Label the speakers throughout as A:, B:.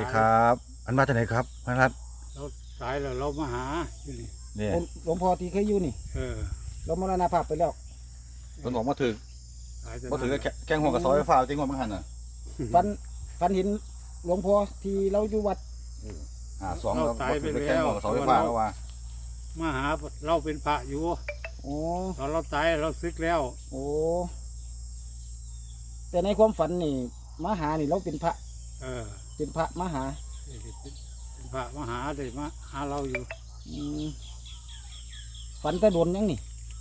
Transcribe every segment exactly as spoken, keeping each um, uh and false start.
A: ครับอันมาจากไหนครับพระรัตน์
B: เราตายแล้วเรามาหาอยู่นี่
A: เนี่ย
C: หลวงพ่อที่เคยอยู่นี่
B: เออ
C: เรามรณภาพไปแล้ว
A: คนบอกมาถึก
B: ตายแต่
A: มาถึก
B: นั้น
A: แค่แข้งหัวกับซอยไฟฟ้าจริงว่ามันหันอ่ะ
C: ฟันฟันเห็นหลวงพ่อที่เราอยู่วัด
A: หาสองเรามาถึกแข้งหัวกับซอยไฟฟ้าแล้วว่า
B: มาหาเราเป็นพระอยู่
C: โอ้
B: ตอนเราตายเราซึกแล้ว
C: โอ้แต่ในความฝันนี่มาหานี่เราเป็นพระ
B: เออ
C: เป็นพระมาหา
B: เป็นพระมาหาเลยมาหาเราอยู่
C: อืมฝันแต่โดนยังนี่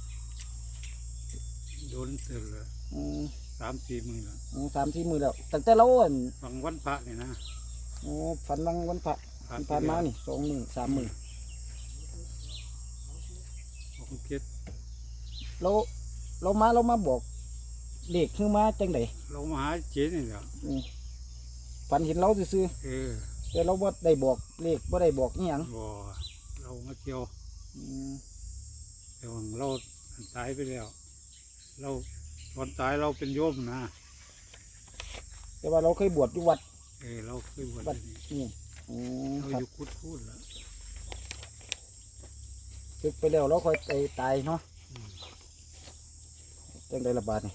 B: โดนเตือนเลย
C: อืม
B: สามสี่มือแล้ว
C: โอ้สามสี่มือแล้วตั้งแต่เราอั่น
B: บางวันพระนี่นะ
C: โอ้ฝันวันวันพระ
B: พระ
C: ที่ผ่านมานี่สองมือสามมือ
B: ผมคิด
C: เราเรามาเรามาบอกเด็กคือมาจังได
B: เรามาหาเจนี่แหละ
C: อืมฝันเห็นเราซื่อ
B: เออ
C: ๆแต่เราบ่ได้บอกเลขบ่ได้บอกนี่ยัง
B: บ่เรามาเที่ยว
C: อืม
B: แต่ว่าเราตายไปแล้ว เราตอนตายเราเป็นโยมนะ
C: แต่ว่าเราเคยบวชอยู่วัด
B: เออเราเคยบวช
C: วัด
B: ที่นี่
C: นี่อืม
B: เรา
C: ครับ
B: อยู่คุดพูดแล้ว
C: ศึกไปแล้วเราค่อยไปตายเนาะ
B: อืม
C: จังไดระบาดนี่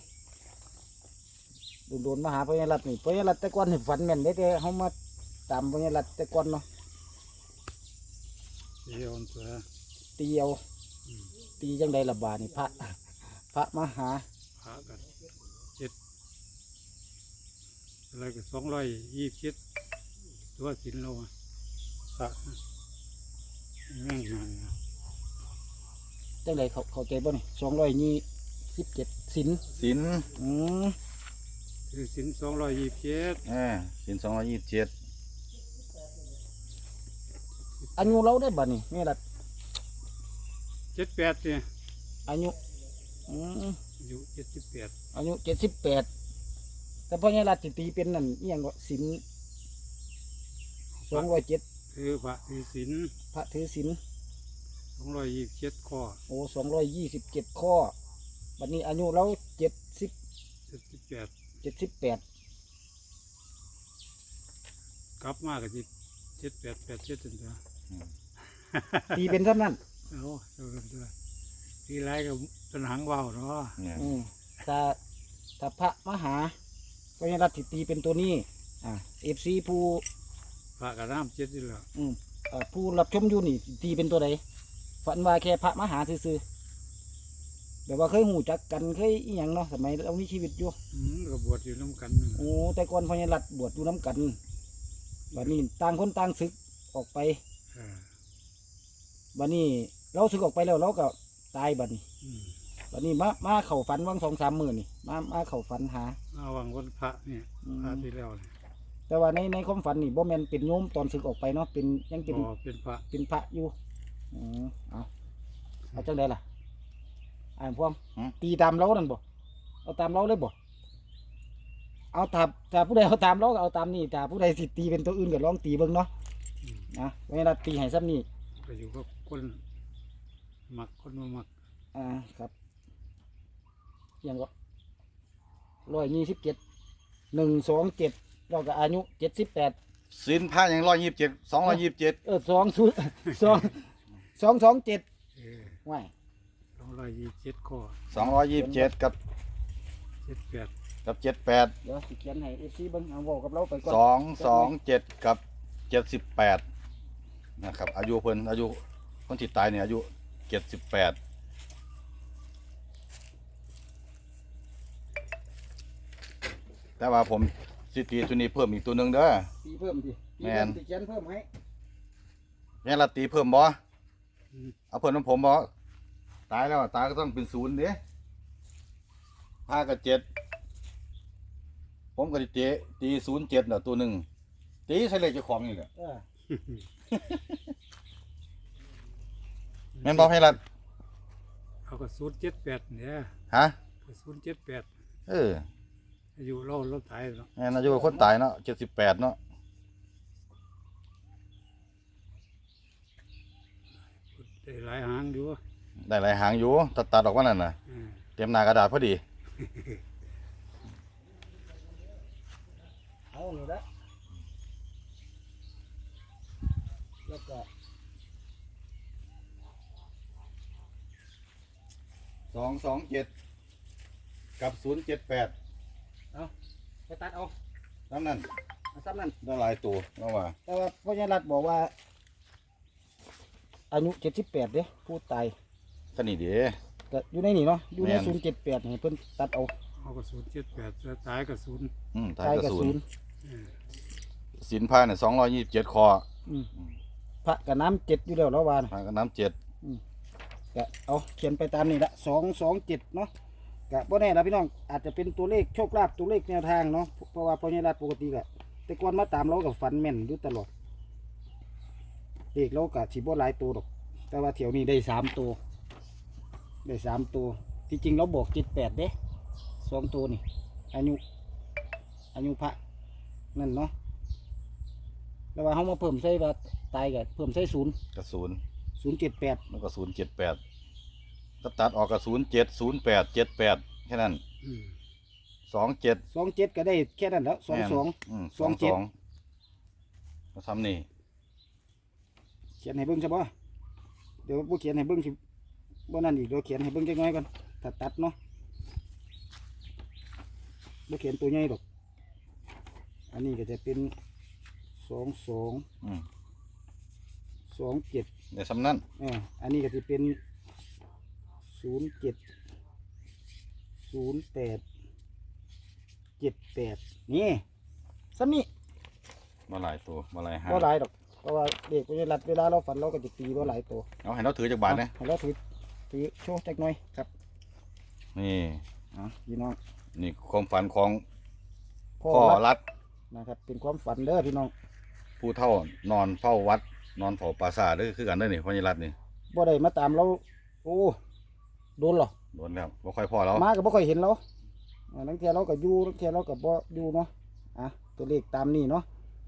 C: โดนๆมาหาพญารัตน์นี่พญารัตน์แต่ก่อนนี่ฝันแม่นเด้แต่เฮามาตามพญารัตน์แต่ก่อนเนาะ
B: เที่ยวตัว
C: ตีเอา
B: อืม
C: ตีจังไดระบาดนี่พระ พระมาหา
B: พระกันเจ็ดอะไรก็สองร้อยยี่สิบเจ็ดตัวสินเราอะพระแม่งงานนะ
C: จังไดเขาเข้าใจบ่นี่สองร้อยยี่สิบเจ็ดสิน
A: สิน
C: อืม
B: คือสินสองร้อยยี่สิบเจ็ด
A: เออสินสองร้อยยี่สิบเจ็ด
C: อายุเราได้บ่นี่พญารัตน์
B: เจ็ดแปดเนี่ย
C: อายุอืม
B: อายุเจ็ดสิบแปด
C: อายุเจ็ดสิบแปดแต่พญารัตน์สิตีเป็นนั่นอีหยังก็สินสองร้อยเจ็ด
B: คือพระคือสิน
C: พระถือสิน
B: สองร้อยยี่สิบเจ็ดข้อ
C: โอ้สองร้อยยี่สิบเจ็ดข้อบัดนี้อายุเราเจ็ดสิบ
B: เจ็ดสิบแปด
C: เจ็ดสิบแปด
B: กลับมาก็จิเจ็ดแปดแปดเจ็ดจนตัว
C: ตีเป็นเท่านั้น
B: เอาเท่านั้นตัวทีไรก็เป็นหางว่าวเนาะ
A: เนี่ย
C: อืมถ้าถ้าพระมหาพญารัตน์สิตีเป็นตัวนี้อ่าเอฟซีผู้
B: พระกับน้ำเจ็ดนี่แหละ
C: อืมเอ่อผู้รับชมอยู่นี่สิตีเป็นตัวใดฝันว่าแค่พระมหาซื่อๆแบบว่าเคยหูจักกันเคยอีหยังเนาะสมัยเรามีชีวิตอยู่
B: อืมก็บวชอยู่น้ำกันนั่น
C: โอ้แต่ก่อนพญารัตน์บวชอยู่น้ำกันบัดนี้ต่างคนต่างศึกออกไป
B: เออ
C: บัดนี้เราศึกออกไปแล้วเราก็ตายบัดนี้
B: อืม
C: บัดนี้มามาเข่าฝันวังสองสามหมื่นนี่มามาเข่าฝันหา
B: เอาวังวันพระเนี่ย
C: อืม
B: พระที่แล้วเนี่ย
C: แต่ว่าในในความฝันนี่บ่แม่นเป็นโยมตอนศึกออกไปเนาะเป็นยังเป็น
B: พอเป็นพระ
C: เป็นพระอยู่อืมเอาเอาจังไดล่ะอ่านพวงตีตามเรานั่นบ่เอาตามเราเลยบ่เอาถ้าถ้าผู้ใดเอาตามเราก็เอาตามนี่ถ้าผู้ใดสิตีเป็นตัวอื่นก็ลองตีเบิ่งเนาะ
B: อืม
C: นะเวลาตีให้ซ้ำนี่
B: ก็อยู่กับคนมักคนมามัก
C: อ่าครับยังก็ร้อยยี่สิบเจ็ดหนึ่งสองเจ็ดเราก็อายุเจ็ดสิบแปด
A: สินผ้าอย่างร้อยยี่สิบเจ็ดสองร้อยยี่สิบเจ็ด
C: เออสองศูนย์สองสองสองเจ็ด
B: เออ
C: ว้าย
B: สองร้อยยี่สิบเจ็ดข้อ
A: สองร้อยยี่สิบเจ็ดกับ
B: เจ็ดแปด
A: กับเจ็ดแปด
C: เดี๋ยวสิเขียนให้เอฟซีเบิ้งเอาบอกกับเราไปก่อน
A: สองสองเจ็ดกับเจ็ดสิบแปดนะครับอายุเพิ่นอายุคนที่ตายเนี่ยอายุเจ็ดสิบแปดแต่ว่าผมสิตีตัวนี้เพิ่มอีกตัวหนึ่งเด้อ
C: ตีเพิ่มดิตี
A: แม่
C: เพิ่
A: น
C: มตีเขียนเพิ่มให้
A: แม่นละตีเพิ่มบ่
B: อืม
A: เอาเพิ่มของผมบ่ตายแล้วตายก็ต้องเป็นศูนย์เด้ห้ากับเจ็ดผมก็ตีตีตีศูนย์เจ็ดเนาะตัวหนึ่งตีใส่เลขเจ้าของนี่แหละ
C: เออ
A: แม่นบ่ให้รัด
B: เอาก็ศูนย์เจ็ดแปดเนี่ย
A: ฮะ
B: ก็ศูนย์เจ็ดแปด
A: เออ
B: อายุเราเราตายแล้ว
A: แม่นอายุคนตายเนาะเจ็ดสิบแปดเนาะ
B: ได้หลายหางอยู่
A: ได้หลายหางอยู่ตัดตัดออกว่านั่นน่ะ
B: อืม
A: เตรียมหน้ากระดาษพอดี
C: เอาหนูละก็
A: สองสองเจ็ดกับศูนย์เจ็ดแปด
C: ไปตัดเอา
A: ทั้งนั้น
C: เอาซ้ำนั่น
A: ได้หลายตัวแล้วว่า
C: แต่ว่าพ่อใหญ่รัฐบอกว่า อายุเจ็ดสิบแปดเด้ผู้ตาย
A: ก็นี่เด้
C: ก็อยู่ในนี่เนาะอยู่ใน
A: แม่น
C: ศูนย์เจ็ดแปดให้เพิ่นตัดเอา
B: เอากระสุนเจ็ดแปดจะตายกระสุน
A: อืม
C: ตา
A: ท้าย ย
C: กับ
A: กระสุ
C: ศู
A: น
C: นย์
A: สินผ้าเนี่ยสองร้อยยี่สิบเจ็ดคอ
C: อืมพระกับน้ำเจ็ดอยู่แล้วแล้วว่านะ
A: ผ้ากับน้ำเจ็ด
C: ก็เอาเขียนไปตามนี่ละสองสองเจ็ดเนาะก็บ่แน่ละพี่น้องอาจจะเป็นตัวเลขโชคลาภตัวเลขแนวทางเนาะเพราะว่าพ่อใหญ่รัฐปกติก็แต่ก่อนมาตามเรากับฝันแม่นอยู่ตลอดเลขเราก็สิบ่หลายตัวดอกแต่ว่าเที่ยวนี้ได้สามตัวได้สามตัวที่จริงเราบอกเจ็ดแปดเด้สองตัวนี่อายุอายุพระนั่นเนาะแล้วว่าเขามาเพิ่มใส่ว่าตายกับเพิ่มใส่ศูนย์
A: กระสุน
C: ศูนย์เจ็ดแปด
A: แล้วก็ศูนย์เจ็ดแปดก็ตัดออกกับศูนย์เจ็ดศูนย์แปดเจ็ดแปดแค่นั้น
B: อืม
A: สองเจ็ด
C: สองเจ็ดก็ได้แค่นั้นแล้วสองสอง
A: สอง
C: เจ็
A: ส
C: ด
A: องมาทำนี่
C: เขียนให้เบิ้งใช่ปะเดี๋ยวผู้เขียนให้เบิ้งสิบ่นั่นอีกเดี๋ยวเขียนให้เบิ้งจักหน้อยก่อนถ้าตัดเนาะบ่เขียนตัวใหญ่ดอกอันนี้ก็จะเป็นสองสอง
A: อืม
C: สองเจ็ด
A: เดี๋ยวซ้ำนั้น
C: อ่าอันนี้ก็จะเป็นศูนย์เจ็ดศูนย์แปดเจ็ดแปดนี่ซ้ำนี่
A: มาหลายตัวมาหลายหาง
C: บ่หลายดอกเพราะว่าเด็กเวลาเวลาเราฝันเราก็จะตีบ่หลายตัว
A: เอาให้เราถือจากบาทนะ
C: ให้เราถือถือโชว์จักหน่อยครับ
A: นี่
C: อ่ะพี่น้อง
A: นี่ความฝันของ
C: พ่อ
A: พ่อ
C: รัก
A: รัฐ
C: นะครับเป็นความฝันเด้อพี่น้อง
A: ผู้เท่านอนเฝ้าวัด นอนเฝ้าปราสาทเด้อคือกันเด้อนี่พ่อใหญ่รัฐนี่
C: บ่ได้มาตามเราโอ้โดนเหรอ
A: โดนแล้วบ่ค่อยพ่อแล้ว
C: มาก็บ่ค่อยเห็นเราอ่าลังเทียเราก็อยู่ลังเทียเราก็บ่อยู่เนาะอ่ะตัวเลขตามนี้เนาะ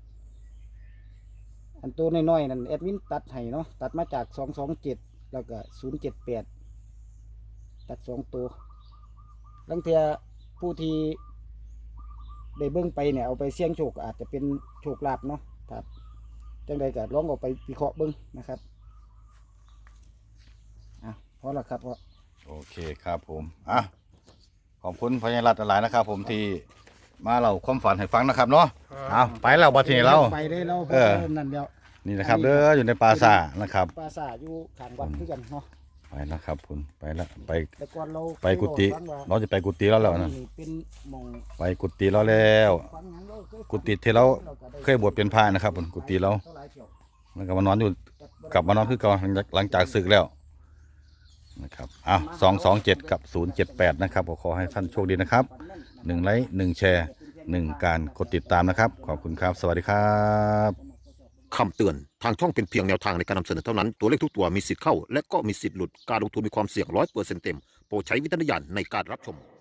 C: อันตัวน้อยๆนั่นแอดมินตัดให้เนาะตัดมาจากสองสองเจ็ดแล้วก็ศูนย์เจ็ดแปดตัดสองตัวลังเทียผู้ที่ได้เบิ่งไปเนี่ยเอาไปเสี่ยงโชคอาจจะเป็นโชคลาภเนาะครับจังใดก็ลองเอาไปวิเคราะห์เบิ่งนะครับอ่ะพอแล้วครับพอ
A: โอเคครับผมอ่ะขอบคุณพ่อใหญ่รัฐหลายนะครับ ผมที่มาเล่าความฝันให้ฟังนะครับเนาะเอาไปแล้วบัดนี้เรา
C: ไปได้เรา
A: เออ
C: นั่นเดียว
A: นี่นะครับเด้ออยู่ในปราสาทนะครับ
C: ปราสาทอยู่ข้างวัดคือกันเนาะ
A: ไปแล้วครับคุณไปแล้วไป
C: แต่ก่อนเรา
A: ไปกุฏิ
C: เคยบอก
A: เราจะไปกุฏิแล้วแล้วนะ
C: นี่เป็นหมอง
A: ไปกุฏิเราแล้ว
C: ฝังหยังเราเคยฝัง
A: กุฏิที่เราเคยบวชเป็นพระนะครับผมกุฏิเรา
C: ท่หลายเที่ยว
A: แล้วก็มานอนอยู่กลับมานอนคือเก่าหลังจากหลังจากศึกแล้วนะครับอ้าวสองสองเจ็ดกับศูนย์เจ็ดแปดนะครับขอให้ท่านโชคดีนะครับหนึ่งไลค์หนึ่งแชร์หนึ่งการกดติดตามนะครับ ขอบคุณครับ สวัสดีครับ
D: คำเตือน ทางช่องเป็นเพียงแนวทางในการนำเสนอเท่านั้น ตัวเลขทุกตัวมีสิทธิ์เข้า และก็มีสิทธิ์หลุด การลงทุนมีความเสี่ยงร้อยเปอร์เซ็นต์เต็ม โปรดใช้วิจารณญาณในการรับชม